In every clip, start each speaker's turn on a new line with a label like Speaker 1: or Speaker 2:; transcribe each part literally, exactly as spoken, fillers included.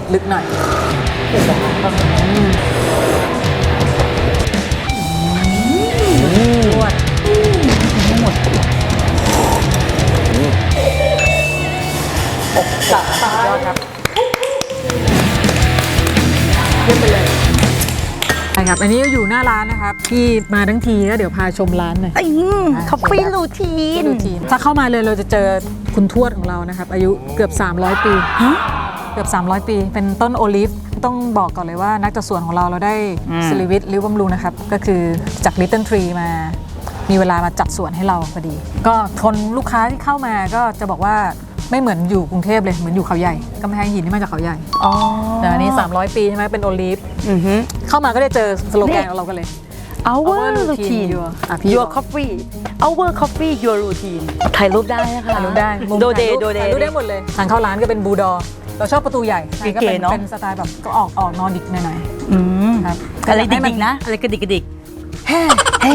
Speaker 1: ลึกหน่อยนวดไม่หมดอกจับตายอดครับเยี่ยมไปเลยใช่ครับอันนี้อยู่หน้าร้านนะครับที่มาทั้งทีก็เดี๋ยวพาชมร้านหน่อย
Speaker 2: คอฟฟี่รูทีน
Speaker 1: ถ้าเข้ามาเลยเราจะเจอคุณทวดของเรานะครับอายุเกือบสามร้อยปีเกือบสามร้อยปีเป็นต้นโอลิฟต้องบอกก่อนเลยว่านักจัดสวนของเราเราได้ศิริวิทย์ลิ้วบำรุงนะครับก็คือจาก Little Tree มามีเวลามาจัดสวนให้เราพอดีก็คนลูกค้าที่เข้ามาก็จะบอกว่าไม่เหมือนอยู่กรุงเทพเลยเหมือนอยู่เขาใหญ่กำแพงหินที่มาจากเขาใหญ่อ๋อแต่อันนี้สามร้อยปีใช่ไหมเป็นโอลิฟเข้ามาก็ได้เจอสโลแกนของเรากันเลย
Speaker 2: Our routine Your coffee Our coffee Your routine ถ่ายรูปได้นะคะ
Speaker 1: ถ่ายรูปได้
Speaker 2: โดเดโดเด
Speaker 1: ถ่ายรูปได้หมดเลยทางเข้าร้านก็เป็นบูดอเราชอบประตูใหญ่ก็เป็นเป็นสไตล์แบบก็ออกออกนอร์ดิกหน่อยๆครับ
Speaker 2: อะไรดิกๆนะอะไรกระดิกกระดิก
Speaker 1: เฮ้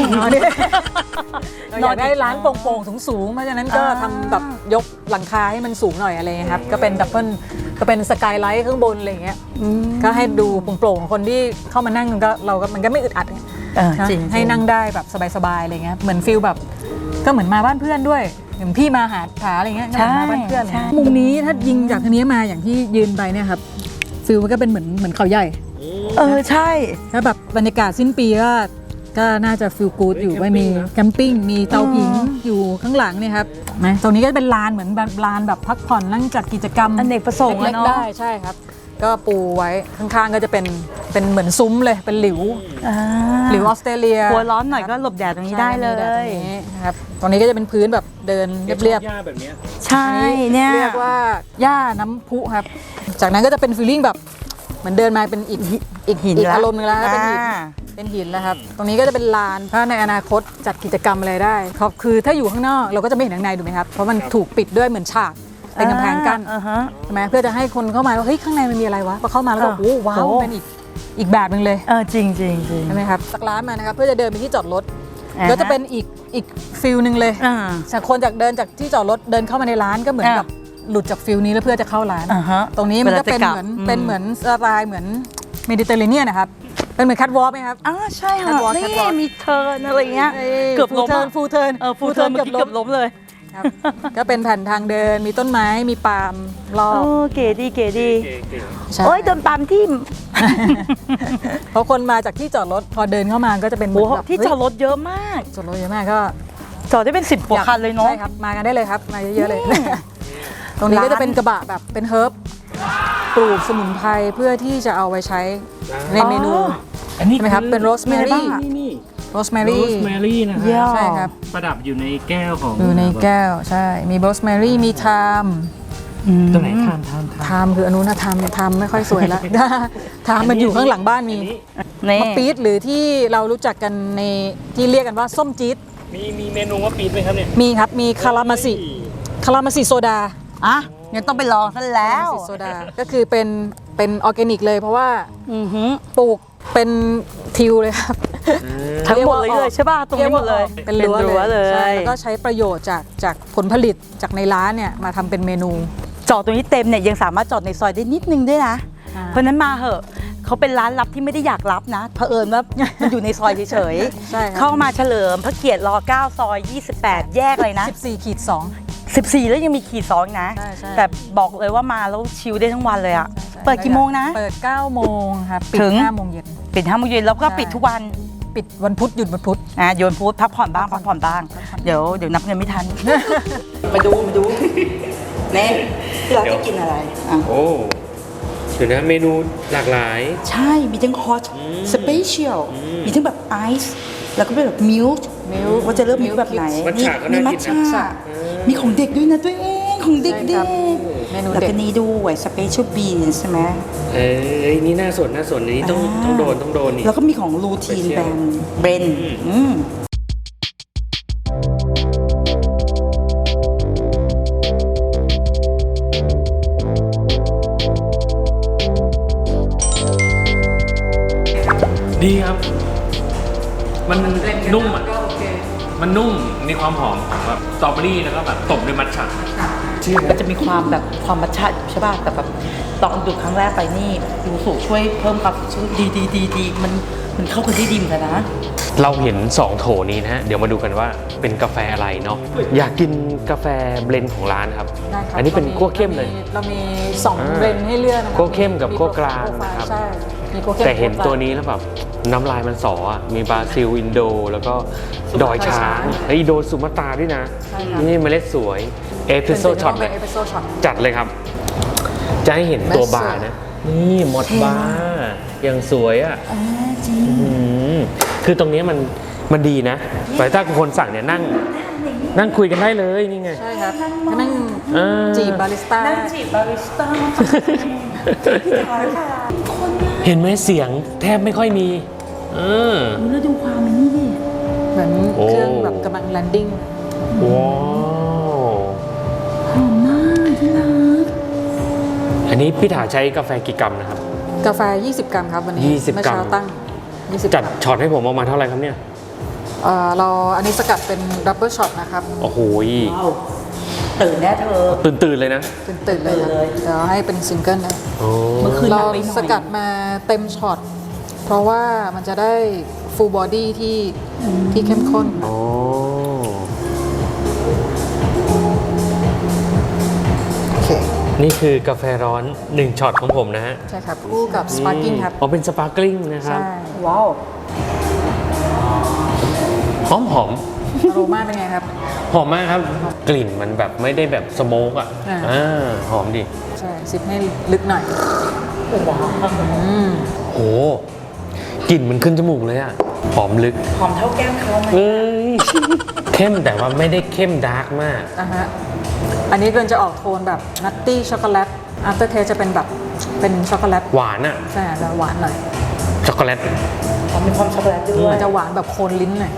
Speaker 1: เราอยากได้ร้านโปร่งๆสูงๆเพราะฉะนั้นก็ทำแบบยกหลังคาให้มันสูงหน่อยอะไรครับก็เป็นดับเบิลก็เป็นสกายไลท์ข้างบนอะไรเงี้ยก็ให้ดูโปร่งๆคนที่เข้ามานั่งก็เราก็มันก็ไม่อึดอัดให้นั่งได้แบบสบายๆอะไรเงี้ยเหมือนฟิลแบบก็เหมือนมาบ้านเพื่อนด้วยเหมือนพี่มาหาผาอะไรเงี้ยก็มาบ้านเพื่อนมุมนี้ถ้ายิงจากทางนี้มาอย่างที่ยืนไปเนี่ยครับฟิลมันก็เป็นเหมือนเหมือนเขาใหญ่
Speaker 2: เออใช่
Speaker 1: แล้วแบบบรรยากาศสิ้นปีก็ก็น่าจะฟิลกู๊ดอยู่ว่ามีแคมปิ้งมีเตาผิงอยู่ข้างหลังเนี่ยครับนะตรงนี้ก็เป็นลานเหมือนลานแบบพักผ่อนนั่งจัดกิจกรรม
Speaker 2: อเนกประสงค์
Speaker 1: เล็กๆได้ใช่ครับก็ปูไว้ข้างๆก็จะเป็นเป็นเหมือนซุ้มเลยเป็นหลิวหลิวออสเตรเลีย
Speaker 2: หัวร้อนหน่อยก็หลบแดดตรงนี้ได้เลย
Speaker 1: ครับตรงนี้ก็จะเป็นพื้นแบบเดินเรียบ
Speaker 3: ๆแบบนี้
Speaker 2: ใช่เนี่ย
Speaker 1: เรียกว่าหญ้าน้ำพุครับจากนั้นก็จะเป็นฟีลลิ่งแบบเหมือนเดินมาเป็นอีกอีกหินอารมณ์นึงแล้วเป็นหินเป็นหินแล้วครับตรงนี้ก็จะเป็นลานถ้าในอนาคตจัดกิจกรรมอะไรได้ครับคือถ้าอยู่ข้างนอกเราก็จะไม่เห็นข้างในถูกไหมครับเพราะมันถูกปิดด้วยเหมือนฉากเป็นกำแพงกั้นใช่ไหมเพื่อจะให้คนเข้ามาว่าเฮ้ยข้างในมันมีอะไรวะพอเข้ามาแล้วก็โอ้ว้าวเป็นอีกอีกแบบนึงเลย
Speaker 2: เออจริงจริงจริง
Speaker 1: ใช่ไหมครับจากร้านมานะครับเพื่อจะเดินไปที่จอดรถก็จะเป็นอีกอีกฟิลนึงเลยจากคนจากเดินจากที่จอดรถเดินเข้ามาในร้านก็เหมือนกับหลุดจากฟิลนี้แล้วเพื่อจะเข้าร้านตรงนี้มันก็เป็นเหมือนเป็นเหมือนสไตล์เหมือนเมดิเตอร์เรเนียนนะครับเป็นเหมือนแคทวอล์กไหมครับ
Speaker 2: อ๋อใช่ค่ะนี่มีเทิร์นอะไรเงี้ยเกือบล้ม
Speaker 1: ฟูเทิร์น
Speaker 2: เออฟูเทิร์นเกือบล้มเลย
Speaker 1: ก็เป็นแผ่นทางเดินมีต้นไม้มีปาล์มรอบ
Speaker 2: โอ้เก๋ดีเก๋ดีโอ้ยโดนปาล์มทิ่ม
Speaker 1: เพราะคนมาจากที่จอดรถพอเดินเข้ามาก็จะเป็น
Speaker 2: ที่จอดรถเยอะมาก
Speaker 1: จอดรถเยอะมากก็
Speaker 2: จอดได้เป็นสิบกว่าคันเลยเนาะ
Speaker 1: ใช่ครับมากันได้เลยครับมาเยอะๆเลยตรงนี้ก็จะเป็นกระบะแบบเป็นเฮิร์บปลูกสมุนไพรเพื่อที่จะเอาไว้ใช้ในเมนู
Speaker 3: อันนี้
Speaker 1: ใช่ไหมครับเป็นโรสแมรี่โรสแมรี่
Speaker 3: โรสแมรี่นะครับ
Speaker 1: ใช่ครับ
Speaker 3: ประดับอยู่ในแก้วของ
Speaker 1: อยู่ในแก้วใช่มีโรสแมรี่มีไทม์
Speaker 3: ตัวไหนไทม์ไทม์
Speaker 1: ไทม์คืออนุนะไทม์ไทม์ไม่ค่อยสวยแล้วไทม์มันอยู่ข้างหลังบ้านมีมะปี๊ดหรือที่เรารู้จักกันในที่เรียกกันว่าส้มจี๊ด
Speaker 3: มีมีเมนูมะปี๊ดไหมครับเนี่ย
Speaker 1: มีครับมีคารามาซิคารามาซิโซดา
Speaker 2: อ่ะงั้นต้องไปลองซะแล้ว
Speaker 1: โซดาก็คือเป็นเป็นออร์แกนิกเลยเพราะว่าปลูกเป็นทิวเลยครับ
Speaker 2: ทั้งหมดเลยใช่ป่ะตรงนี้หมดเลย
Speaker 1: เป็นรั้วเลยใช่แล้วก็ใช้ประโยชน์จากจากผลผลิตจากในร้านเนี่ยมาทำเป็นเมนู
Speaker 2: จอดตรงนี้เต็มเนี่ยยังสามารถจอดในซอยได้นิดนึงด้วยนะเพราะนั้นมาเหอะเขาเป็นร้านลับที่ไม่ได้อยากรับนะเผอิญว่ามันอยู่ในซอยเฉยๆเข้ามาเฉลิมพระเกียรติรเก้าซอยยี่สิบแปดแยกเลยนะ
Speaker 1: สิบสี่ขีดสอง
Speaker 2: สิบสี่แล้วยังมีขีดสองนะแต่บอกเลยว่ามาแล้วชิลได้ทั้งวันเลยอ่ะเปิดกี่โมงนะ
Speaker 1: เปิดเก้าโมงครับปิดห้าโมงเย็น
Speaker 2: ปิดห้าโมงเย็นแล้วก็ปิดทุกวัน
Speaker 1: ปิดวันพุธหยุดวันพุธ
Speaker 2: อ่ะหยุดวันพุธพักผ่อนบ้างพักผ่อนบ้างเดี๋ยวเดี๋ยวนับเงินไม่ทันมาดูมาดูเน่ที่เราจะกินอะไร
Speaker 3: โอ้เดี๋ยวนะเมนูหลากหลาย
Speaker 2: ใช่มีทั้งฮอตสเปเชียลมีทั้งแบบไอซ์แล้วก็เป็นแบบมิลค์มิลค์ว่าจะเลือกมิลค์แบบไหนมีมัทฉะมีของเด็กด้วยนะตัวเองของเด็กเด็กแล้วก็นี่ด้วยสเปเชียลบีนใช่ไหม
Speaker 3: เอ้ยนี่น่าสนน่าสนนี่ต้องต้องโดนต้องโดนนี่
Speaker 2: แล้วก็มีของรูทีนแบรนด์เบรน
Speaker 3: ดีครับมันนุ่มอ่ะมันนุ่มมีความหอมของแบบสตรอเบอรี่แล้วก็แบบตบด้วยมัทฉะ
Speaker 2: มันจะมีความแบบความมัทฉะอยู่ใช่ป่ะแต่แบบตอนดูครั้งแรกไปนี่ยูสุช่วยเพิ่มความสดชื่นดีดีดีดีมันมันเข้ากันได้ดีเหมือนกันนะ
Speaker 3: เราเห็นสองโถนี้นะฮะเดี๋ยวมาดูกันว่าเป็นกาแฟอะไรเนาะอยากกินกาแฟเบลนด์ของร้านครับ
Speaker 1: ได้ครับ
Speaker 3: อันนี้เป็นคั่วเข้มเลย
Speaker 1: เรามีสอง
Speaker 3: อ่า
Speaker 1: เบรนด์ให้เลือกนะครับ
Speaker 3: คั่วเข้มกับคั่วกลางนะครับ
Speaker 1: ใช่มีคั่วเข้ม
Speaker 3: แต่เห็น
Speaker 1: คั่กลาง
Speaker 3: ตัวนี้แล้วแบบน้ำลายมันสออ่ะมีบราซิลอินโด แล้วก็ดอยช้างไอยโดสุมาตราด้วยนะ
Speaker 1: ใช่ครับ
Speaker 3: นี่เมล็ดสวยเอสเปรสโซ่ช็อตเลย
Speaker 1: เอสเปรสโซ่ช็อต
Speaker 3: จัดเลยครับ จะให้เห็นตัวบาร์นะ นี่หมดบาร์อย่างสวยอ่ะ
Speaker 2: อ่าจริง
Speaker 3: อืมคือตรงนี้มันมันดีนะแต่ถ้าคนสั่งเนี่ยนั่งนั่งคุยกันได้เลยนี่ไง
Speaker 1: ใช่ครับก็นั่ง
Speaker 3: อ่า
Speaker 1: จีบบาริสต้า
Speaker 2: นั่งจีบบาริสต้าพี่ถอยค่ะคนนะ
Speaker 3: เห็นไหมเสียงแทบไม่ค่อยมีเออ
Speaker 2: ดูแล้วดูความมันนี่ดิ
Speaker 1: เหมือน
Speaker 3: โอ้
Speaker 1: เครื่องแบบกำลังแลนดิ้ง
Speaker 3: ว้าว
Speaker 2: หอมมากที่รัก
Speaker 3: อันนี้พี่ถาใช้กาแฟกี่กรัมนะครับ
Speaker 1: กาแฟ ยี่สิบ กรัมครับวันนี้
Speaker 3: ยี่สิบ
Speaker 1: เมื่อก
Speaker 3: รัม
Speaker 1: เช้าตั้ง ยี่สิบ
Speaker 3: จัดช็อตให้ผมออกมาเท่าไหร่ครับเนี่ย
Speaker 1: เอ่อเราอันนี้สกัดเป็นดับเบิลช็อตนะครับ
Speaker 3: โอ้โห
Speaker 2: ว้าวตื่นแน่เธอ
Speaker 3: ตื่นตื่นๆเลยนะ
Speaker 1: ตื่นตื่นๆเลยครับ
Speaker 2: ตื่นเลย
Speaker 1: เดี๋ยวให้เป็นซิงเกิลนะ
Speaker 3: โอ้
Speaker 2: เมื่อคืน
Speaker 1: เรา
Speaker 2: ไปหน่อย
Speaker 1: สกัดมาเต็มช็อต เพราะว่ามันจะได้ฟูลบอดี้ที่ที่เข้มข้น
Speaker 3: โอ้
Speaker 1: โอเค
Speaker 3: นี่คือกาแฟร้อนหนึ่งช็อตของผมนะฮะ
Speaker 1: ใช่ครับคู่กับสปาร์กิ้งครับ
Speaker 3: อ๋อเป็นสปาร์กลิงนะครับ
Speaker 1: ใช่
Speaker 2: ว้าว
Speaker 3: หอมหอม
Speaker 1: อโรมาเป็นไงครับ
Speaker 3: หอมมากครับ กลิ่นมันแบบไม่ได้แบบสโมกอ่ะ
Speaker 1: อ่า
Speaker 3: อ่าหอมดิ
Speaker 1: ใช่ซิปให้ลึกหน่อย
Speaker 2: ว้าว
Speaker 1: อืม
Speaker 3: โหกลิ่นมันขึ้นจมูกเลยอ่ะ หอมลึก
Speaker 2: หอมเท่าแก้มเขาไหม
Speaker 3: เอ้ย เข้มแต่ว่าไม่ได้เข้มดาร์กมาก
Speaker 1: อ่ะฮะ อันนี้เกินจะออกโทนแบบนัตตี้ช็อกโกแลตอัฟเตอร์เทสจะเป็นแบบเป็นช็อกโกแลต
Speaker 3: หวานอ่ะ
Speaker 1: ใช่จะหวานหน่อย
Speaker 3: ช็อกโกแลต
Speaker 2: หอมมีความช็อกโกแลตด้วย
Speaker 1: มันจะหวานแบบโคนลิ้นหน่อย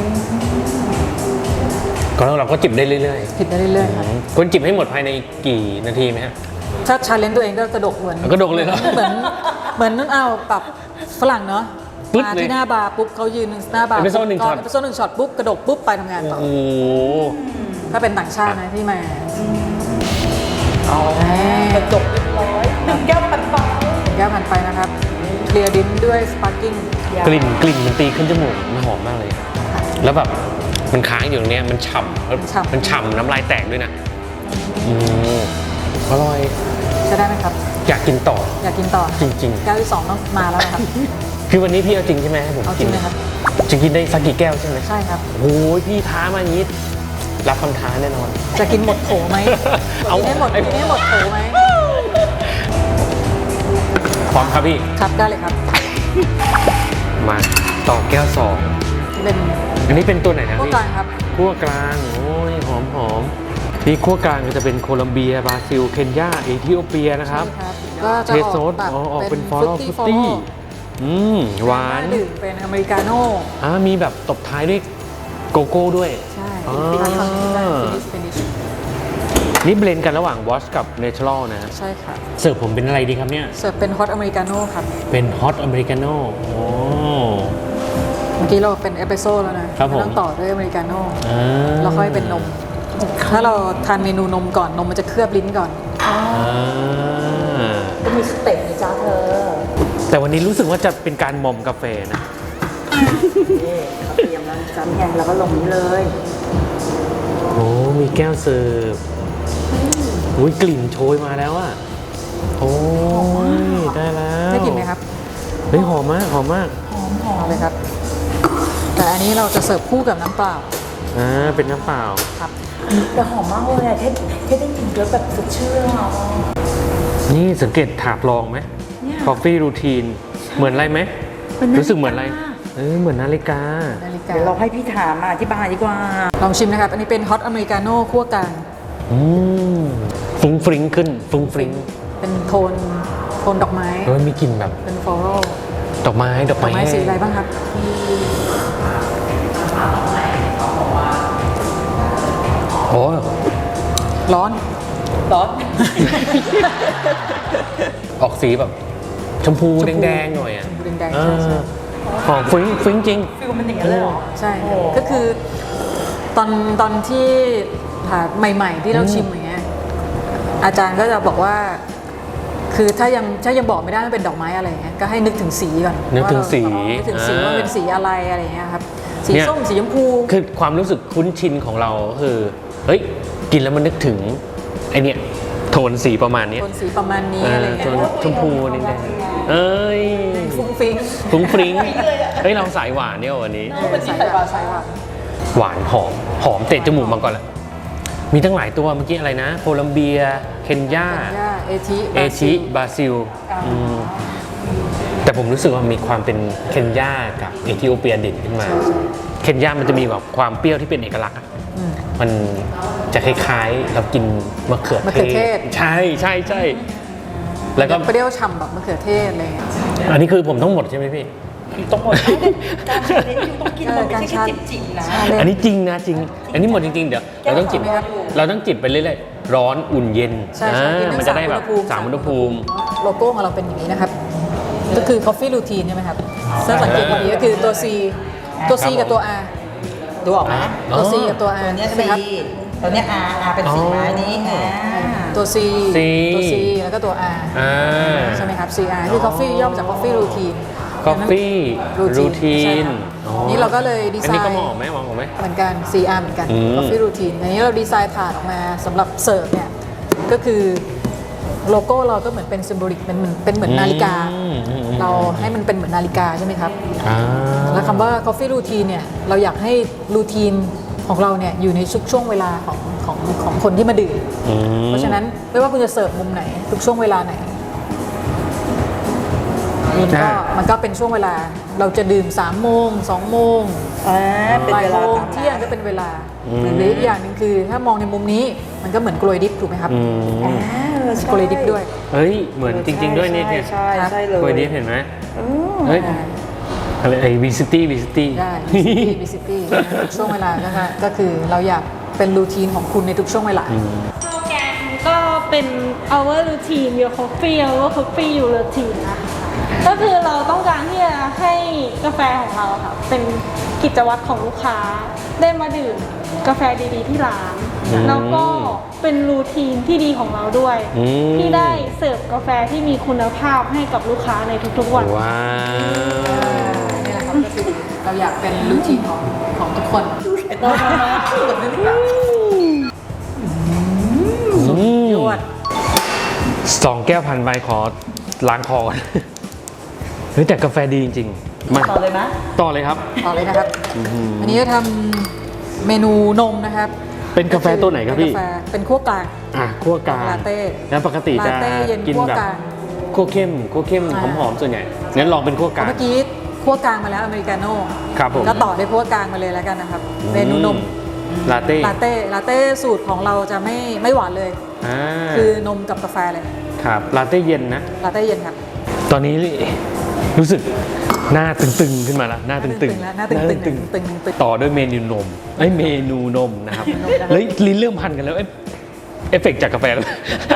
Speaker 3: ก็เราก็จิบได้เรื่อย
Speaker 1: ผิดได้เรื่อยๆครับ
Speaker 3: ๆคนจิบให้หมดภายในกี่นาทีไหมฮะ
Speaker 1: ถ้าชาเลนจ์ตัวเองก็กระดกเหมือน
Speaker 3: กระดกเลยเหรอ
Speaker 1: เหมือนเหมือนนั่นเอาแบบฝรั่งเนาะ
Speaker 3: ปึ๊ด
Speaker 1: มา
Speaker 3: เลย
Speaker 1: ที่หน้าบาร์ปุ๊บเขายืนหน้าบาร์
Speaker 3: เอสเปรสโซ่หนึ่งช็อต
Speaker 1: เอสเปรสโซ่หนึ่งช็อตปุ๊บกระดกปุ๊บไปทำงานต่อ
Speaker 3: โอ้โห
Speaker 1: ถ้าเป็นต่างชาตินะที่มา
Speaker 2: เอาแล้วกระจกเรียบร้อยหนึ่งแก้วปันปัน
Speaker 1: แก้วผ่านไปนะครับเคลียร์ดินด้วยสปาร์กิ้ง
Speaker 3: กลิ่นกลิ่นมันตีขึ้นจมูกมันหอมมากเลย แล้วแบบมันค้างอยู่ตรงเนี้ยมันฉ่ำแล้วมันฉ่ำน้ำลายแตกด้วยนะอืมอร่อย
Speaker 1: ใช้ได้ไหมครับ
Speaker 3: อยากกินต่อ
Speaker 1: อยากกินต่อ
Speaker 3: จริง
Speaker 1: แก้วที่สองต้องมาแล้วนะครับ
Speaker 3: ๆ คือวันนี้พี่เอาจริงใช่ไหมให้ผม
Speaker 1: เอาจ
Speaker 3: กิ
Speaker 1: ริ
Speaker 3: น
Speaker 1: งเลยครับ
Speaker 3: จะกินได้สักกี่แก้วใช่ไหม
Speaker 1: ใช่ครับ
Speaker 3: โอ้ยพี่ท้ามาอย่างนี้รับคำท้าแน่นอน
Speaker 1: จะกินหมดโถไหม
Speaker 3: เอา
Speaker 1: กินให้หมด
Speaker 3: ไอ้
Speaker 1: กินให้หมดโถไหม
Speaker 3: พร้อมครับพี่
Speaker 1: ครับได้เลยครับ
Speaker 3: มาต่อแก้วสอง
Speaker 1: เป็น
Speaker 3: อันนี้เป็นตัวไหนนะ
Speaker 1: พวก
Speaker 3: พี่
Speaker 1: กลางครับ
Speaker 3: คั่วกลาง โอ้ยหอมหอมนี่คั่วกลางก็จะเป็นโคลัมเบีย บราซิล เคนยา เอธิโอเปียนะครับ
Speaker 1: ใช่ครับก็จะ
Speaker 3: เท
Speaker 1: อ
Speaker 3: โซ
Speaker 1: อก
Speaker 3: ส
Speaker 1: แบบ
Speaker 3: อ๋อออกเป็นฟอ
Speaker 1: ฟ
Speaker 3: ล
Speaker 1: รุ
Speaker 3: ล์
Speaker 1: ตตี้
Speaker 3: ฟุต
Speaker 1: ฟอล
Speaker 3: ตี้อืมหวาน
Speaker 1: ดื่มเป็นอเมริกาโน่
Speaker 3: อ่ามีแบบตบท้ายด้วยโกโก้ด้วย
Speaker 1: ใช่
Speaker 3: อ๋อ
Speaker 1: ฟินิชฟินิช
Speaker 3: นี่เบลนด์กันระหว่างวอชกับเนเชอรัลนะ
Speaker 1: ใช่ค่ะ
Speaker 3: เสิร์ฟผมเป็นอะไรดีครับเนี่ย
Speaker 1: เสิร์ฟเป็นฮอตอเมริกาโน่ครับ
Speaker 3: เป็นฮอตอเมริกาโน่โอ้
Speaker 1: เมื่อกี้เราเป็นเอสเปรสโซ่แล้วนะครับ
Speaker 3: ผม
Speaker 1: ต้องต่อด้วยอเมริกาโน่
Speaker 3: อ่า
Speaker 1: แล้วค่อยเป็นนม ถ้าเราทานเมนูนมก่อนนมมันจะเคลือบลิ้นก่อน
Speaker 3: อ่า
Speaker 2: ก็มีสเต็ปนะจ๊ะเธอ
Speaker 3: แต่วันนี้รู้สึกว่าจะเป็นการมอมกาแฟนะ
Speaker 2: นี่เขาเตรียมแล้วจ้ะไงแล้วก็ลงนี้เลย
Speaker 3: โอ้มีแก้วเสิร์ฟอุ้ยกลิ่นโชยมาแล้วอะโอ้ยได้แล้ว
Speaker 1: ได้กลิ่นไหมครับ
Speaker 3: เฮ้ยหอมมากหอมมาก
Speaker 2: หอมหอ
Speaker 1: เอา
Speaker 2: ม
Speaker 1: เลยครับ แต่อันนี้เราจะเสิร์ฟคู่กับน้ำเปล่า
Speaker 3: อ่าเป็นน้ำเปล่า
Speaker 1: ครับ
Speaker 2: แต่หอมมากเลยอะแค่แค่ได้กลิ่นเยอะแบบสดชื่นอะ
Speaker 3: นี่สังเกตถาดรองไหม
Speaker 2: เนี่ย
Speaker 3: Coffee Routine เหมือนอะไรไหม
Speaker 2: เป็นนาฬิกา
Speaker 3: รู้สึกเหมือนอะไรเออเหมือนนาฬิกา
Speaker 1: นาฬิกา
Speaker 2: เดี๋ยวเราให้พี่ถามมาอธิบายดีกว่า
Speaker 1: ลองชิมนะครับ อันนี้เป็นฮอตอเมริกาโน่คั่วกลาง
Speaker 3: อืมฟรุ้งฟริ้งขึ้นฟรุ้งฟริ้ง
Speaker 1: เป็นโทนโทนดอกไม้
Speaker 3: เออมีกลิ่นแบบ
Speaker 1: เป็นฟลอรัล
Speaker 3: ดอกไม้ดอก
Speaker 1: ดอ
Speaker 3: ไม้
Speaker 1: กไม้สีอะไรบ้างครับ
Speaker 3: โอ้
Speaker 1: ร้อน
Speaker 2: ร้อน
Speaker 3: ออกสีแบบชมพู
Speaker 1: ชมพู
Speaker 3: แดงๆหน่อยอ่ะ
Speaker 1: ชมพูแดงๆ
Speaker 3: เอ
Speaker 1: ใช่ใช่
Speaker 3: อหอมฟริ้งฟริ้งจริง
Speaker 2: ฟิลมันอย่างนี้เลยเหรอ
Speaker 1: ใช่
Speaker 2: โอ้
Speaker 1: ก็คือตอนตอนที่หาใหม่ ๆ ที่เราชิมอย่างเงี้ยอาจารย์ก็จะบอกว่า คือถ้ายังถ้ายังบอกไม่ได้ว่าเป็นดอกไม้อะไรเงี้ยก็ให้นึกถึงสีก่อน
Speaker 3: นึกถึงสี
Speaker 1: ว่าเรานึกถึงสีว่าเป็นสีอะไรอะไรเงี้ยครับสี
Speaker 3: เนี่ย
Speaker 1: ส้มสีชมพู
Speaker 3: คือความรู้สึกคุ้นชินของเราก็คือเฮ้ยกินแล้วมันนึกถึงไอเนี่ยโทนสีประมาณเนี้ย
Speaker 1: โทนสีประมาณนี้
Speaker 3: เอ
Speaker 1: อะไร
Speaker 3: อ
Speaker 1: เงี้
Speaker 3: โท
Speaker 1: ย
Speaker 3: นชมพูนี่แดงเอ้ย
Speaker 1: ฟุ้งฟิ้ง
Speaker 3: ฟุ้งฟริ้งเฮ้ยเราสายหวานเนี่ยวันนี้
Speaker 1: เออใส่หวานใส่หวาน
Speaker 3: หวานหอมหอมเตะจมูกมาก่อนแหละมีตั้งหลายตัวเมื่อกี้อะไรนะโคลัมเบียเคนยา
Speaker 1: ย่าเอชิ
Speaker 3: เอชิบราซิลอืมแต่ผมรู้สึกว่ามีความเป็นเคนยากับเอธิโอเปียเด่นขึ้นมา เคนยามันจะมีแบบความเปรี้ยวที่เป็นเอกลักษณ์อะ
Speaker 1: อืม
Speaker 3: มันจะคล้ายๆเรากินมะเขือ
Speaker 1: มะเขือเทศ
Speaker 3: ใช่ใช่ใช่แล้วก็
Speaker 1: เปรี้ยวฉ่ำแบบมะเขือเทศอะไรเงี้ย
Speaker 3: อันนี้คือผมต้องหมดใช่ไหมพี่
Speaker 2: ต้องหมดการชาเลนจ์อยู่ต้องกินมันไม่ใช่แค่จิบๆนะ
Speaker 3: อันนี้จริงนะจริง อันนี้หมดจริงๆ เดี๋ยวเราต้องจิบ
Speaker 1: ไหมครับ
Speaker 3: เราต้องจิบไปเรื่อยๆร้อนอุ่นเย็น
Speaker 1: ใช่ใช่กิน
Speaker 3: อ่า
Speaker 1: ได้
Speaker 3: มันจะได้แบบสามอุณหภูมิ
Speaker 1: โลโก้ของเราเป็นอย่างนี้นะครับ ก็คือ coffee routine ใช่ไหมครับถ้าสังเกตดีๆก็คือตัว C ตัว C กับตัว R
Speaker 2: ดูออกไหม
Speaker 1: ตัว C กับตัว R
Speaker 2: ตัวเนี้ย
Speaker 1: ใช่ไหม
Speaker 2: ซี
Speaker 1: ครับ
Speaker 2: ตัวเนี้ยอาร์อาร์เป็นสีไม้นี้อ่า
Speaker 1: ตัว C
Speaker 3: C
Speaker 1: ตัว C แล้วก็ตัว R
Speaker 3: อ่า
Speaker 1: ใช่ไหมครับ C R คือ coffee ย่อมาจาก coffee routine
Speaker 3: coffee routine
Speaker 1: ใช่ครับนี่เราก็เลยดีไซ
Speaker 3: อันนี้
Speaker 1: น์
Speaker 3: ก็มองออกไหมมองออกไหม
Speaker 1: เหมือนกัน C R เหมือนกัน
Speaker 3: อืม
Speaker 1: coffee routine อันนี้เราดีไซน์ถาดออกมาสำหรับเสิร์ฟเนี่ย ก็คือโลโก้เราก็เหมือนเป็น symbolic เป็นเหมือนเป็นเหมือนนาฬิกา
Speaker 3: อืมอืมอืม
Speaker 1: เราให้มันเป็นเหมือนนาฬิกาใช่ไหมครับ
Speaker 3: อ่า
Speaker 1: แล้วคำว่า coffee routine เนี่ย เราอยากให้รูทีนของเราเนี่ยอยู่ในทุกช่วงเวลาของของของคนที่มาดื่ม
Speaker 3: อืม
Speaker 1: เพราะฉะนั้นไม่ว่าคุณจะเสิร์ฟมุมไหน ทุกช่วงเวลาไหนมันก็มันก็เป็นช่วงเวลาเราจะดื่มสามโมงสองโมง
Speaker 2: อ่าเป็น
Speaker 1: บ่าย
Speaker 2: เว
Speaker 1: โม
Speaker 2: ลาง ตาม
Speaker 1: เที่ยงก็เป็นเวลาหรืออีกอย่างหนึ่งคือถ้ามองในมุมนี้มันก็เหมือนกลวยดิฟถูกไหมครับ
Speaker 3: อืม
Speaker 2: อ่าเออใช่
Speaker 1: กลวยดิฟด้วย
Speaker 3: เฮ้ย เหมือนจริง ๆ ด้วยเนี่ยเนี่ย
Speaker 2: ใช่ใช่ใช่เลย
Speaker 3: กล้วยดิฟเห็นไหม
Speaker 2: อืม
Speaker 3: เฮ้ย อะไรไอ้วิซิตี้วิซิตี้
Speaker 1: ได้ visibility visibility ทุกช่วงเวลานะคะก็คือเราอยากเป็นรูทีนของคุณในทุกช่วงเวลา
Speaker 4: สโลแกนก็เป็น our routine your coffee our coffee your routine นะคะก็คือเราต้องการที่จะให้กาแฟของเราค่ะเป็นกิจวัตรของลูกค้าได้มาดื่มกาแฟดีๆที่ร้าน
Speaker 3: อืม
Speaker 4: แล้วก็เป็นรูทีนที่ดีของเราด้วย
Speaker 3: อืม
Speaker 4: ที่ได้เสิร์ฟกาแฟที่มีคุณภาพให้กับลูกค้าในทุกๆวัน
Speaker 3: ว้าว
Speaker 1: นี่แหละครับก็คือเราอยากเป็นรูทีนของของทุกคน ยวด
Speaker 3: สองแก้วพันใบขอล้างคอก่อน เฮ้ยแต่กาแฟดีจริงๆ มา
Speaker 2: ต่อเลยไหม
Speaker 3: ต่อเลยครับ
Speaker 1: ต่อเลยนะครับ อันนี้จะทำเมนูนมนะครับ
Speaker 3: เป็นกาแฟตัวไหนครับพี่
Speaker 1: เป็นกาแฟเป็นคั่วกลาง
Speaker 3: อ่ะคั่วกลาง
Speaker 1: ลาเต้
Speaker 3: แล้วปกติจะ
Speaker 1: ลาเต้เย็น
Speaker 3: กิน
Speaker 1: คั่ว
Speaker 3: แบบ
Speaker 1: กลาง
Speaker 3: คั่วเข้มคั่วเข้ม
Speaker 1: อ่า
Speaker 3: หอมๆส่วนใหญ่ งั้นลองเป็นคั่วกลาง
Speaker 1: เมื่อกี้คั่วกลางมาแล้วอเมริกาโน่
Speaker 3: ครับผม
Speaker 1: ก็ต่อด้วยคั่วกลางมาเลยแล้วกันนะครับ เมนูนม
Speaker 3: ลาเต้
Speaker 1: ลาเต้ลาเต้สูตรของเราจะไม่ไม่หวานเลย
Speaker 3: อ่า
Speaker 1: คือนมกับกาแฟเลย
Speaker 3: ครับ ลาเต้เย็นนะ
Speaker 1: ลาเต้เย็นครับ
Speaker 3: ตอนนี้รู้สึกหน้าตึงๆขึ้นมาแล้วหน้าตึงๆ
Speaker 1: แล้วหน้าตึงๆ
Speaker 3: ห
Speaker 1: ตึงตึงตึงตึง
Speaker 3: ต่อด้วยเมนูนมไอ้ยเมนูนมนะครับ
Speaker 1: เมนูนมนะครับ
Speaker 3: เฮ้ยลิ้นเริ่มพันกันแล้วเอ้ยเอฟเฟกต์จากกาแฟแล้ว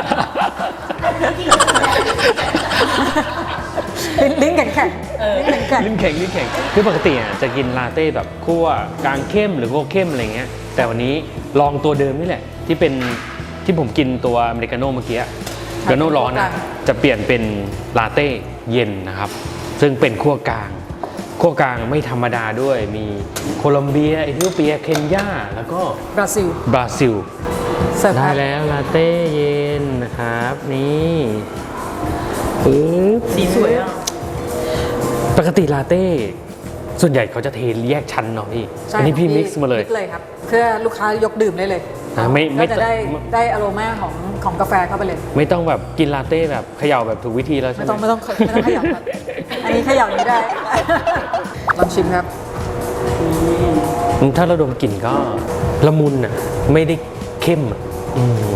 Speaker 1: ลิ้นลิ้นแข็งแข็งลิ้นแข็งแข็ง
Speaker 3: ลิ้นแข็งลิ้นแข็งคือปกติอ่ะจะกินลาเต้แบบคั่วกลางเข้มหรือคั่วเข้มอะไรเงี้ยแต่วันนี้ลองตัวเดิมนี่แหละ ที่เป็นที่ผมกินตัวอเมริกาโน่เมื่อกี้อเมริกาโน่ร้อนอ่ะจะเปลี่ยนเป็นลาเต้เย็นนะครับ ซึ่งเป็นคั่วกลางคั่วกลางไม่ธรรมดาด้วยมีโคลอมเบียเอธิโอเปียเคนยาแล้วก็
Speaker 1: บราซิล
Speaker 3: บราซิล
Speaker 1: เสิร์ฟ
Speaker 3: ได้
Speaker 1: ครับ
Speaker 3: แล้วลาเต้เย็นนะครับนี่ปึ๊บ
Speaker 2: สีสวยอ่ะ
Speaker 3: ปกติลาเต้ส่วนใหญ่เขาจะเทแยกชั้นเนาะพี่
Speaker 1: ใช่
Speaker 3: อันนี้พี่
Speaker 1: ของ
Speaker 3: มิกซ์มาเลย
Speaker 1: มิกซ์เลยครับ เพื่อลูกค้ายกดื่มได้เลย
Speaker 3: อ่าไม่ไม่
Speaker 1: ก็จะได้ได้อโรมาของของกาแฟเข้าไปเลย
Speaker 3: ไม่ต้องแบบกินลาเต้แบบเขย่าแบบถูกวิธีแล้วใช่
Speaker 1: ไม่
Speaker 3: ไหม
Speaker 1: ต้องไม่ต้องไม่ต้องเขยับครับ อันนี้เขยับอย่างนี้ได้ ลองชิมครับ
Speaker 3: อืมถ้าเราดมกลิ่นก็ละมุนอ่ะไม่ได้เข้มอ่ะอืม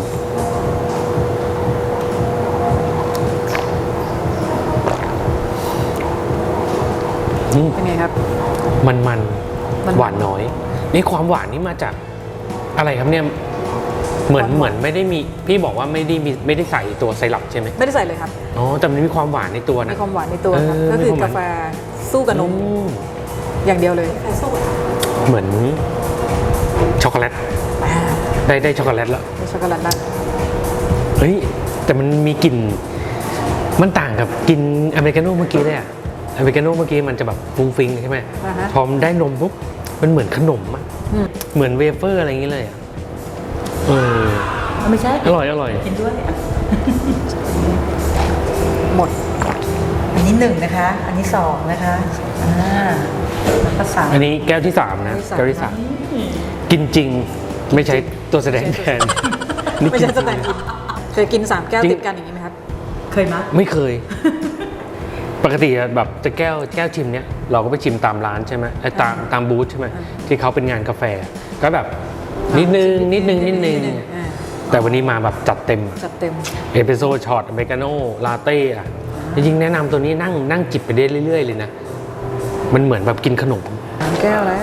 Speaker 3: อืม
Speaker 1: เป็นไงครับ
Speaker 3: มันมัน
Speaker 1: มัน
Speaker 3: หวานน้อยนี่ความหวานนี่มาจากอะไรครับเนี่ยเหมือนเหมือนไม่ได้มีพี่บอกว่าไม่ได้มีไม่ได้ใส่ตัวไซรัปใช่ไหม
Speaker 1: ไม่ได้ใส่เลยครับ
Speaker 3: อ๋อแต่มันมีความหวานในตัว
Speaker 1: มี
Speaker 3: นะ
Speaker 1: ความหวานในตัวครับ
Speaker 3: เออ
Speaker 1: ก็คือ
Speaker 3: มีความหวาน
Speaker 1: กาแฟสู้กับนม
Speaker 3: อืม
Speaker 1: อย่างเดียวเลย
Speaker 3: เหมือนช็อกโกแลตได้ได้ช็อกโกแลตแล้ว
Speaker 1: เป็นช็อกโกแลตละ
Speaker 3: เฮ้ยแต่มันมีกลิ่นมันต่างกับกินอเมริกาโน่เมื่อกี้เลยอะอเมริกาโน่เมื่อกี้มันจะแบบฟุ้งฟิ้งใช่ไหม
Speaker 1: อ่าฮะ
Speaker 3: พอมันได้นมปุ๊บมันเหมือนขนมอะ
Speaker 1: อืม
Speaker 3: เหมือนเวเฟอร์อะไรอย่างเงี้ยเลยอะเออ
Speaker 2: ไม่ใช่
Speaker 3: อร่อยอร่อย
Speaker 2: กินด้วยอ่ะ
Speaker 1: หมด
Speaker 2: อันนี้หนึ่งนะคะ อันนี้สองนะคะอ่าแล้วก็สาม
Speaker 3: อันนี้แก้วที่สามนะ
Speaker 1: แก้
Speaker 3: แก้ว
Speaker 1: วที่
Speaker 3: ที่
Speaker 1: สา
Speaker 3: สาม มกินจริงไม่ใช่ตัวแสดงแทนนี่
Speaker 1: ไม่
Speaker 3: กิน
Speaker 1: ใช่
Speaker 3: จ
Speaker 1: ส
Speaker 3: ริง
Speaker 1: แตนด์อินเคยกินสามแก้ว
Speaker 3: จริง
Speaker 1: ติดกันอย่างนี้ไหมครับ
Speaker 2: เคยมั้ย
Speaker 3: ไม่เคย ปกติอะแบบจะแก้วแก้วชิมเนี้ยเราก็ไปชิมตามร้านใช่ไหมไอ้ตามตามบูธใช่ไหมที่เขาเป็นงานกาแฟ ก็แบบนิดนึงนิดนึงนิดนึง
Speaker 1: อ่า
Speaker 3: แต่วันนี้มาแบบจัดเต็ม
Speaker 1: จัดเต็ม
Speaker 3: เอสเปรสโซ่ช็อตอเมริกาโน่ลาเต้อะจริงๆแนะนำตัวนี้นั่งนั่งจิบไปได้เรื่อยๆเลยนะ มันเหมือนแบบกินขนม
Speaker 1: สามแก้วแล้ว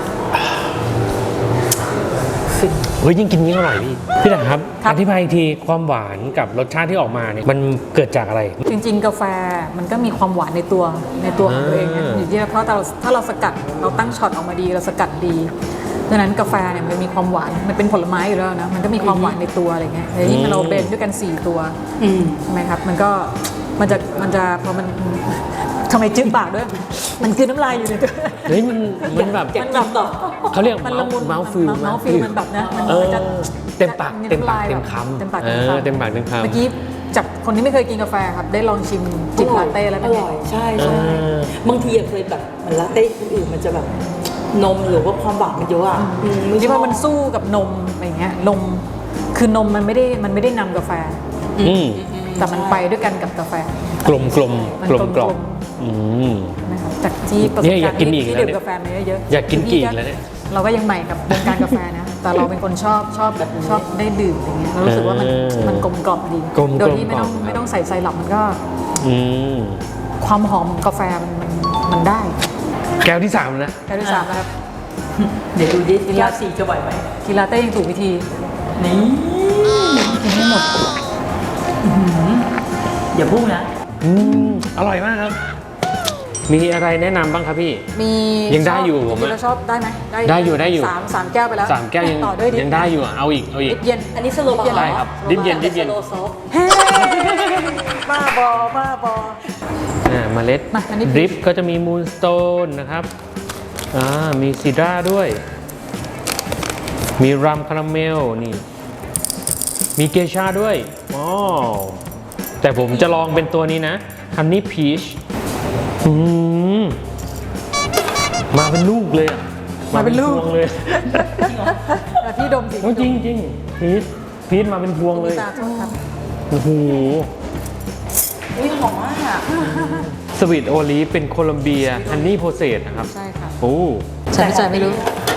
Speaker 3: เฮ้ยยิ่งกินยิ่งอร่อยพี่ พี่ถังครับ
Speaker 1: ครับ
Speaker 3: อธิบายอีกทีความหวานกับรสชาติที่ออกมาเนี่ยมันเกิดจากอะไร
Speaker 1: จริงๆ กาแฟมันก็มีความหวานในตัวในตัวของตัวเองนะ
Speaker 3: อ่า
Speaker 1: อยู่ที่เพราะเราถ้าเราสกัดเราตั้งช็อตออกมาดีเราสกัดดีดังนั้นกาแฟเนี่ยมันมีความหวานมันเป็นผลไม้อยู่แล้วนะมันก็มีความหวานในตัวอะไรเงี้ยแล้วยิ่งเราเบนด้วยกันสี่ตัว
Speaker 2: อืม
Speaker 1: ใช่ไหมครับมันก็มันจะมันจะพอมันทำไมจืดปากด้วย มันคือน้ำลายอยู่ในตัว
Speaker 3: เฮ้ยมันมันแบบ
Speaker 1: มันแบบต่อ
Speaker 3: เขาเรียก
Speaker 1: มันละมุน
Speaker 3: เมาส์ฟิล
Speaker 1: เมาส์ฟิลมันแบบนะมัน
Speaker 3: เออ
Speaker 1: มันจะ
Speaker 3: เต็มปาก
Speaker 1: จะ
Speaker 3: เต็มปาก
Speaker 1: น้ำลย
Speaker 3: เต็มคำ
Speaker 1: เต็มปาก
Speaker 3: เอ
Speaker 1: เต็ม
Speaker 3: อ
Speaker 1: คำ
Speaker 3: เต็มปากเต็มคำ
Speaker 1: เมื่อกี้จากคนที่ไม่เคยกินกาแฟครับได้ลองชิมจิบลาเต้แล้ว
Speaker 2: อ
Speaker 1: เป็นไง
Speaker 2: ร่อยใช่ใช่
Speaker 3: เออ
Speaker 2: บางทีอะเคยแบบเหมือนลาเต้คนอื่นมันจะแบบนมหรือว่าความหวานมันเยอะอ่ะอืมไม่ช
Speaker 1: ที่
Speaker 2: อบ
Speaker 1: ว่ามันสู้กับนมอะไรเงี้ยนมคือนมมันไม่ได้มันไม่ได้นำกาแฟ
Speaker 3: อืม
Speaker 1: แต่มันไปด้วยกันกับกาแฟ
Speaker 3: กลมกลม
Speaker 1: มัน
Speaker 3: กลมก
Speaker 1: ก
Speaker 3: ล
Speaker 1: ล
Speaker 3: ม
Speaker 1: ม
Speaker 3: อืม
Speaker 1: นะครับจากที่ประสบ
Speaker 3: เนี่ยอาก
Speaker 1: กายรณ์
Speaker 3: กิน
Speaker 1: ที่
Speaker 3: อีก
Speaker 1: ที่
Speaker 3: แล้ว
Speaker 1: ดื่ม
Speaker 3: เนี่ย
Speaker 1: กาแฟมาเยอะๆ
Speaker 3: อยากกินอีกแล้วเนี่ย
Speaker 1: เราก็ยังใหม่กับวงการกาแฟนะ แต่เราเป็นคนชอบชอบแบบชอบได้ดื่มอย่างเงี้ยเรารู้สึกว่ามัน
Speaker 3: เออ
Speaker 1: มันกลมกล่อมดี
Speaker 3: กลมๆ
Speaker 1: โดยที่ไม่ต้อง
Speaker 3: ครับ
Speaker 1: ไม่ต้องใส่ไซรัปมันก็
Speaker 3: อืม
Speaker 1: ความหอมของกาแฟมันมันมันได้
Speaker 3: แก้วที่สามนะ
Speaker 1: แก้วที่สามนะครับ
Speaker 2: เดี๋ยวดูดิแก้วสี่จะไหวไหม
Speaker 1: กินลาเต้ยังถูกวิธี
Speaker 2: นี่กินไม่หมดอื้อหืออย่าพุ่งนะ
Speaker 3: อืมอร่อยมากครับ มีอะไรแนะนำบ้างครับพี่
Speaker 1: มี
Speaker 3: ยังได้อยู่ผม
Speaker 1: จริงๆ
Speaker 3: อะ
Speaker 1: เราชอบได้ไหม
Speaker 3: ได้อยู่ได้อยู่
Speaker 1: สามสามแก้วไปแล้ว
Speaker 3: สามแก้วยัง
Speaker 1: ต่อด้วยดิ
Speaker 3: ยังได้อยู่อ่ะเอาอีกเอาอีก
Speaker 1: ดิบเย็น
Speaker 2: อันนี้สโลบาร์
Speaker 3: ได้ครับดิบเย็นดิบเย็น
Speaker 2: สโลซอฟ
Speaker 1: เฮ้บ้าบอบ้าบอ
Speaker 3: อ่าเมล็ด
Speaker 1: มาอันนี้
Speaker 3: ดริปก็จะมีมูนสโตนนะครับอ่ามีซีดราด้วย มีรัมคาราเมลนี่ มีเกชาด้วยอ๋อแต่ผมจะลองเป็นตัวนี้นะฮันนี่พีชอืมมาเป็นลูกเลยอะ
Speaker 1: มาเป็นลูก
Speaker 3: พวงเลย
Speaker 1: แต่พี่ดมสิ
Speaker 3: โอ้จริงจริงพีชพีชมาเป็นพวงเลย
Speaker 1: ตาโทษครับ
Speaker 3: โอ้โห
Speaker 2: นี่หอมมากอะ
Speaker 3: สวีทโอลีฟเป็นโคลัมเบียฮันนี่โพเซตนะครับ
Speaker 1: ใช่ค่ะ
Speaker 3: โอ้
Speaker 1: ใช่ไม่ใช่ไม่รู้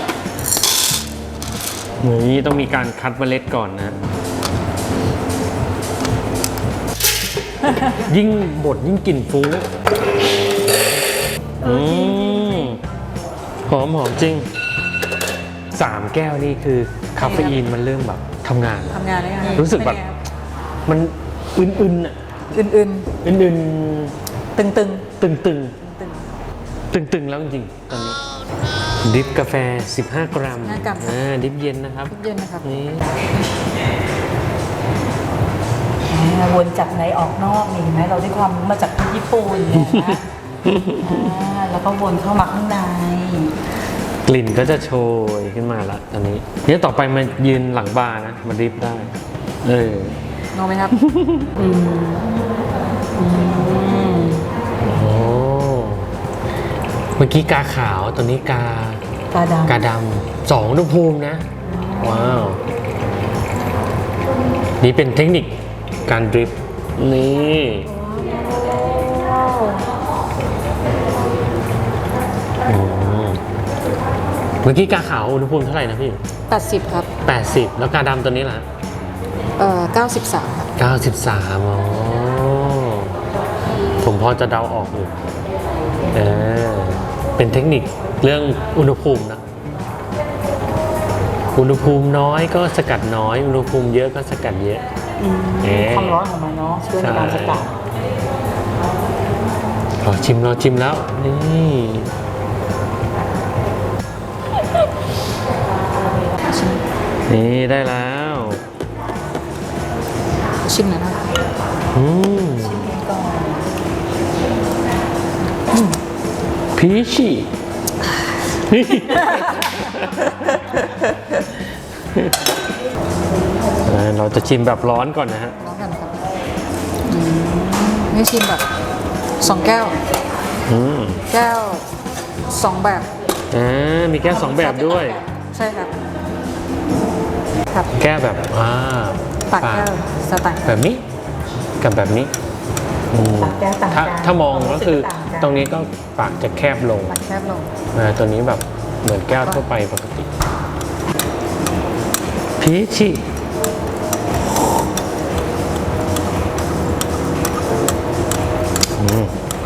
Speaker 3: นี่ต้องมีการคัดเมล็ดก่อนนะ ยิ่งบดยิ่งกลิ่นฟุ้งอืมหอมหอมจริงสามแก้วนี่คือคาเฟอีนมันเริ่มแบบทำงาน
Speaker 1: ทำงานได้ไง
Speaker 3: รู้สึกแบบ มันอึนๆอ่ะ
Speaker 1: อื่น
Speaker 3: อึน
Speaker 1: ๆ ตึง
Speaker 3: ๆ ตึงๆ
Speaker 1: ตึง
Speaker 3: ตึงๆ แล้วจริงๆ ตอนนี้ ดิฟกาแฟ สิบห้ากรัม
Speaker 1: สิบห้ากรัม
Speaker 3: อ่าดิฟเย็นนะครับ
Speaker 1: ๆเย็นนะครับ
Speaker 3: นี่
Speaker 2: อ่าวนจากในออกนอกนี่เห็นไหมเราได้ความรู้มาจากที่ญี่ปุ่นเนี่ยนะอ่าแล้วก็วนเข้ามาข้างใน
Speaker 3: กลิ่นก็จะโชยขึ้นมาละตอนนี้เนี่ยต่อไปมายืนหลังบาร์นะ มาดิฟได้ เออ
Speaker 1: งงไหมครับ
Speaker 3: โอ้ เมื่อกี้กาขาว ตัวนี้กา
Speaker 2: ตาดำ
Speaker 3: กาดำสองอุณหภูมินะ ว้าว นี่เป็นเทคนิคการดริฟต์นี่อืมเมื่อกี้กาขาวอุณหภูมิเท่าไหร่นะพี่
Speaker 1: แปดสิบครับ
Speaker 3: แปดสิบแล้วกาดำตัวนี้ล่ะ
Speaker 1: เอ่อเก้าสิบสามครับ
Speaker 3: เก้าสิบสามอ๋อผมพอจะเดาออกอยู่เออเป็นเทคนิคเรื่องอุณหภูมินะ อุณหภูมิน้อยก็สกัดน้อย อุณหภูมิเยอะก็สกัดเยอะ
Speaker 2: อืม
Speaker 3: เอ๊ะ
Speaker 2: ความร้อนของมันเนาะช่วยในการสกัด
Speaker 3: รอชิมรอชิมแล้ว นี่ นี่ได้แล้ว
Speaker 1: ชชิมหน่อยนะ
Speaker 3: อืมพีชีเราจะชิมแบบร้อนก่อนนะฮะ
Speaker 1: ร้องกันครับอืมนี่ชิมแบบสองแก้ว
Speaker 3: อืม
Speaker 1: แก้วสองแบบ
Speaker 3: อ่ามีแก้วสองแบบด้วย
Speaker 1: ใช่ครับ ครับ
Speaker 3: แก้วแบบอ่า
Speaker 1: ปากแก้วสไตล์
Speaker 3: แบบนี้กับแบบนี้อืม
Speaker 2: ปากแก้วต่าง
Speaker 3: ถ้า
Speaker 2: กัน
Speaker 3: ถ้ามองก็คือ
Speaker 2: ต่างกัน
Speaker 3: ตรงนี้ก็ปากจะแคบลง
Speaker 1: ปากแคบลง
Speaker 3: อ่าตัวนี้แบบเหมือนแก้วทั่วไปปกติพีชีอืม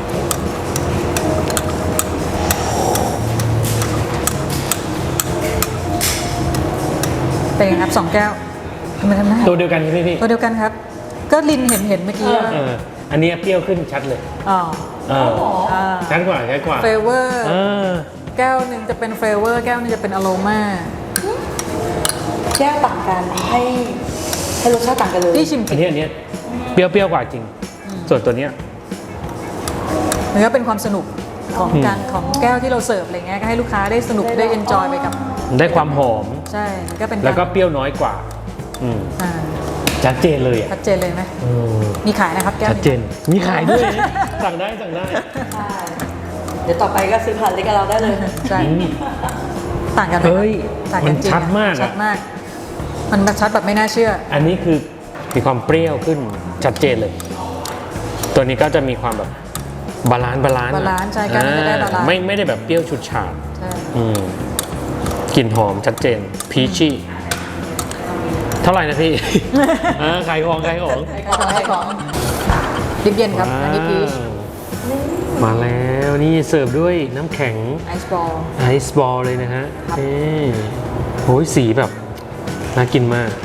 Speaker 1: เป็นไงครับสองแก้วทำไมทำได้
Speaker 3: ตัวเดียวกันใช่ไหมพี่
Speaker 1: ตัวเดียวกันครับ ก็ลินเห็นเห็นเมื่อกี้
Speaker 3: เอออันนี้เปรี้ยวขึ้นชัดเลย
Speaker 1: อ๋อ
Speaker 3: เออ
Speaker 1: อ่า
Speaker 3: ชัดกว่าชัดกว่า
Speaker 1: เฟเวอร์
Speaker 3: เออ
Speaker 1: แก้วหนึ่งจะเป็นเฟเวอร์แก้วหนึงจะเป็นอโรมา
Speaker 2: แก้วต่างกันให้ให้รสชาติต่างกันเลย
Speaker 1: ที่ชิม
Speaker 3: อันนี้อันนี้เปรี้ยวเปรี้ยวกว่าจริง ส่วนตัวเนี้ย
Speaker 1: มันก็เป็นความสนุกของ
Speaker 3: อืม
Speaker 1: การของแก้วที่เราเสิร์ฟอะไรเงี้ยก็ให้ลูกค้าได้สนุกได้เอนจอยไปกับ
Speaker 3: ได้ความหอม
Speaker 1: ใช่มันก็เป็น
Speaker 3: แล้วก็
Speaker 1: าร
Speaker 3: เปรี้ยวน้อยกว่า อืม
Speaker 1: อ่า
Speaker 3: ชัดเจนเลยอ่ะ
Speaker 1: ชัดเจนเลยไหม
Speaker 3: เออ
Speaker 1: มีขายนะครับแก้ว
Speaker 3: ชัดเจน มีขายด้วยนะสั่งได้สั่งได้
Speaker 2: ใช่เดี๋ยวต่อไปก็ซื้อผ่านเล็กกับเราได้เลย
Speaker 1: ใช่
Speaker 3: อืม
Speaker 1: ต่างกันไหม
Speaker 3: เฮ้ย
Speaker 1: ต่างกันจริง
Speaker 3: มันชัดมากอะ
Speaker 1: ชัดมาก มันชัดแบบไม่น่าเชื่อ
Speaker 3: อันนี้คือมีความเปรี้ยวขึ้นชัดเจนเลย ตัวนี้ก็จะมีความแบบบาลานซ์บาลานซ์อะ
Speaker 1: บาลานซ์ใช่การจะได้บาลานซ์
Speaker 3: ไม่ไม่ได้แบบเปรี้ยวฉุดฉาด
Speaker 1: ใช่
Speaker 3: อืมกลิ่นหอมชัดเจนพีชี่เท่าไหร่นะ พี่ อ่าขายของขายของ
Speaker 1: ของให้ของดิบเย็นครับ อันนี้พีช
Speaker 3: ว้าวมาแล้วนี่เสิร์ฟด้วยน้ำแข็ง
Speaker 1: ไอซ์บอล
Speaker 3: ไอซ์บอลเลยนะฮะนี่โอ้ยสีแบบ น่ากินมาก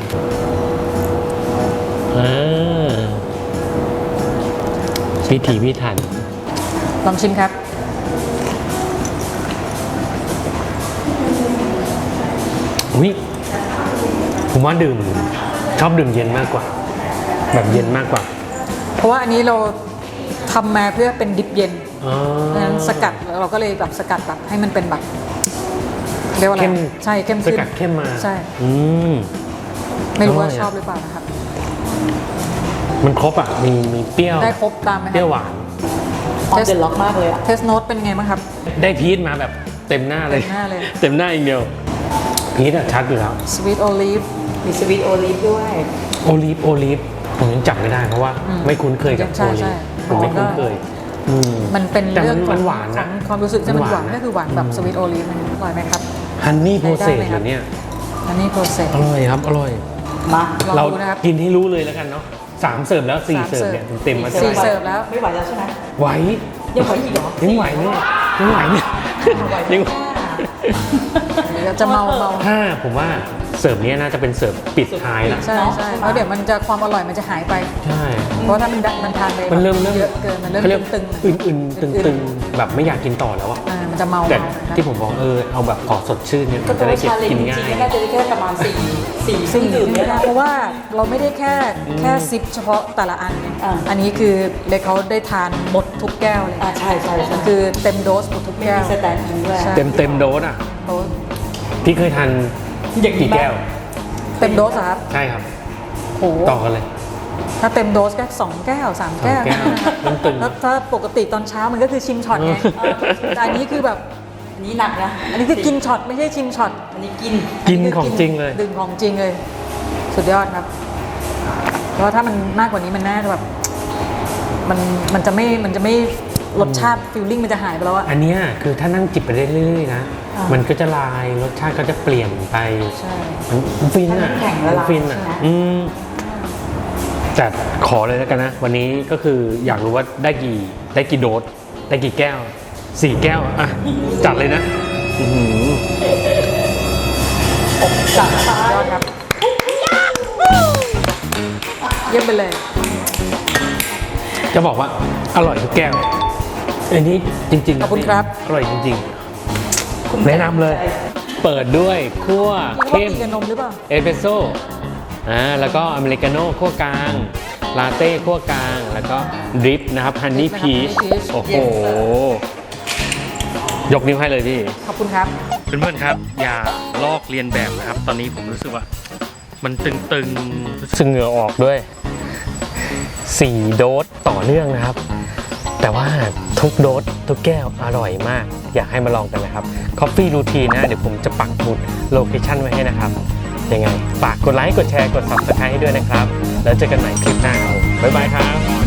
Speaker 3: อ่าพิถีพิถัน
Speaker 1: ลองชิมครับ
Speaker 3: อุ้ยผมว่าดื่มชอบดื่มเย็นมากกว่า แบบเย็นมากกว่า
Speaker 1: เพราะว่าอันนี้เราทำมาเพื่อเป็นดิบเย็น
Speaker 3: อ๋อ
Speaker 1: เพราะฉะนั้นสกัดเราก็เลยแบบสกัดแบบให้มันเป็นแบบเรียกว่าอะไร
Speaker 3: เข้ม
Speaker 1: ใช่เข้ม
Speaker 3: ส
Speaker 1: ขึ้น
Speaker 3: กัดเข้มมา
Speaker 1: ใช่
Speaker 3: อืม
Speaker 1: ไม่รู้ว่า
Speaker 3: อร่อยอะ
Speaker 1: ชอบหรือเปล่านะครับ
Speaker 3: มันครบอ่ะ มีมีเปรี้ยว
Speaker 1: ได้ครบตามไหมค
Speaker 3: เปรี้ยว
Speaker 1: รับ
Speaker 3: หวาน
Speaker 2: ออนเดนล็อกมากเลยอ่ะ
Speaker 1: เทสโนตเป็นไงบ้างครับ
Speaker 3: ได้พีชมาแบบเต็มหน้าเลย
Speaker 1: เต็มหน้าเลย
Speaker 3: เต็มหน้าอย่างเดียว พีชอะชัดอยู่แล้ว
Speaker 1: สวีทโอลีฟ
Speaker 2: มีสวีทโอลิฟด้วย
Speaker 3: โอลีฟโอลีฟผมยังจับไม่ได้เพราะว่า
Speaker 1: อืม
Speaker 3: ไม่คุ้นเคยกับ
Speaker 1: ใช่
Speaker 3: โอลี
Speaker 1: ใช่
Speaker 3: ฟผมไม่คุ้นเคยอืม
Speaker 1: มันเป็น
Speaker 3: แต่
Speaker 1: เรื่อง
Speaker 3: มัน
Speaker 1: ของ
Speaker 3: หวาน
Speaker 1: ขอ
Speaker 3: นะ
Speaker 1: งความรู้สึกใช่มันหวาน
Speaker 3: นะ
Speaker 1: ก็คือหวานแบบสวีทโอลีฟอร่อยไหมครับ
Speaker 3: ฮันนี่โพเซ
Speaker 1: ได้
Speaker 3: ส
Speaker 1: ไหมครับ
Speaker 3: เหรอเนี่ย
Speaker 1: อันนี้โปรเซส
Speaker 3: อร่อยครับ อร่อย
Speaker 2: มา
Speaker 1: ลอง
Speaker 3: เรา
Speaker 1: ดูนะครับ
Speaker 3: กินให้รู้เลยแล้วกันเนาะสามเสิร์ฟแล้วสี่
Speaker 1: สาม
Speaker 3: เสิร์ฟ
Speaker 1: เสิร์ฟ
Speaker 3: เนี่ยเต็มๆมา
Speaker 1: สี่
Speaker 3: เท่าไหร่
Speaker 1: เสิร์ฟแล้ว
Speaker 2: ไม่ไหวแล้วใช่ไหม
Speaker 3: ไหว
Speaker 2: ยังไหวอีกเหรอ
Speaker 3: ยังไหวเนี่ยยังไหวเนี่ยยังไหว
Speaker 1: เดี๋ยวจะเมาเมา
Speaker 3: ถ้าผมว่าเสิร์ฟเนี้ยน่าจะเป็นเสิร์ฟปิดท้ายละ
Speaker 1: ใช่ใช่เพราะเดี๋ยวมันจะความอร่อยมันจะหายไป
Speaker 3: ใช่
Speaker 1: เพราะว่าถ้ามันดันมันทานไป
Speaker 3: มันเริ่มเริ่ม
Speaker 1: เยอะเกินมันเริ่ม
Speaker 3: เขาเรียก
Speaker 1: ตึง
Speaker 3: อื่นๆตึงๆแบบไม่อยากกินต่อแล้วอะ
Speaker 1: ๆอ่ามันจะเมา
Speaker 3: แต่
Speaker 1: เมานะครับ
Speaker 3: ที่ผมบอกเออเอาแบบขอสดชื่นเนี่ย
Speaker 2: ก็
Speaker 3: มัน
Speaker 2: ตั
Speaker 3: จะ
Speaker 2: ว
Speaker 3: ได้เก็บ
Speaker 2: ชาเลน
Speaker 3: กิน
Speaker 2: จ
Speaker 3: ง่า
Speaker 2: ริง
Speaker 3: ย
Speaker 2: ๆน่าจะได้แค่ประมาณสี่สี่เครื่
Speaker 1: ซึ่
Speaker 2: อง งดื่ม
Speaker 1: ไม่
Speaker 2: เนี่ย
Speaker 1: ได้
Speaker 2: นะ
Speaker 1: เพราะว่าเราไม่ได้แค่แค่ซิปเฉพาะแต่ละอันไง
Speaker 2: อ่า
Speaker 1: อันนี้คือเล็กเขาได้ทานหมดทุกแก้วเลย
Speaker 2: อ่าใช่ใช่ใช่
Speaker 1: คือเต็มโดสหมดทุก
Speaker 2: ไม่
Speaker 1: แก้ว
Speaker 2: มีสแตนด์อินด้วย
Speaker 1: ใช่
Speaker 3: เต็มเต็มๆโดสอ่ะ
Speaker 1: โดส
Speaker 3: พี่เคยทาน
Speaker 2: อย่างนี้
Speaker 3: กี่แก้ว
Speaker 1: เต็มโดสเหรอครับ
Speaker 3: ใช่ครับ
Speaker 1: โอ้โห
Speaker 3: ต่อกันเลย
Speaker 1: ถ้าเต็มโดสก็สองแก้วสามแก้ว
Speaker 3: สองแก้ว
Speaker 1: นะครับ
Speaker 3: มันตึง
Speaker 1: แล้วถ้าปกติตอนเช้ามันก็คือชิมช็อตไง
Speaker 3: เออ
Speaker 1: แต่อันนี้คือแบบ
Speaker 2: อันนี้หนักนะ
Speaker 1: อันนี้คือกินช็อตไม่ใช่ชิมช็อต
Speaker 2: อันนี้กิน
Speaker 3: กินของจริงเลย
Speaker 1: ดื่มของจริงเลย สุดยอดครับ เพราะว่าถ้ามันมากกว่านี้มันน่าจะแบบมันมันจะไม่มันจะไม่รสชาติฟิลลิ่งมันจะหายไปแล้วอะ
Speaker 3: อันเนี้ยคือถ้านั่งจิบไปเรื่อยๆนะ
Speaker 1: อ่ามั
Speaker 3: มันก็จะลายรสชาติก็จะเปลี่ยนไป
Speaker 1: ใช่
Speaker 3: มันฟินอ่ะ
Speaker 2: ถ้าน้ำแข็งละลาย
Speaker 3: มันฟินอ่ะ
Speaker 2: ใช่ไหม
Speaker 3: อืมแต่ขอเลยแล้วกันนะ วันนี้ก็คืออยากรู้ว่าได้กี่ได้กี่โดสได้กี่แก้วสี่แก้วอ่ะจัดเลยนะอื้อหือ
Speaker 1: จัดสุดยอดครับ เยี่ยมไปเลย
Speaker 3: จะบอกว่าอร่อยทุกแก้วอันนี้จริงๆ
Speaker 1: ขอบคุณครับ
Speaker 3: อร่อยจริงๆ แนะนำเลย เปิดด้วยคั่ว
Speaker 1: คิดว่า
Speaker 3: เข้ม
Speaker 1: มีกับนมหรือเปล่า
Speaker 3: เอสเปรสโซ่อ่าแล้วก็อเมริกาโน่คั่วกลางลาเต้คั่วกลาง แล้วก็ดริปนะครับฮันนี่พีช โอ้โห ยกนิ้วให้เลยพี่
Speaker 1: ขอบคุณครับ
Speaker 3: เพื่อนๆครับ อย่าลอกเรียนแบบนะครับ ตอนนี้ผมรู้สึกว่า มันตึงๆรู้สึกเหงื่อออกด้วยสี่โดสต่อเนื่องนะครับ แต่ว่าทุกโดสทุกแก้วอร่อยมาก อยากให้มาลองกันนะครับ Coffee Routine นะ เดี๋ยวผมจะปักหมุดโลเคชั่นไว้ให้นะครับ ยังไงฝากกดไลค์ กดแชร์ กด Subscribe ให้ด้วยนะครับ แล้วเจอกันใหม่คลิปหน้าครับบ๊ายบายครับ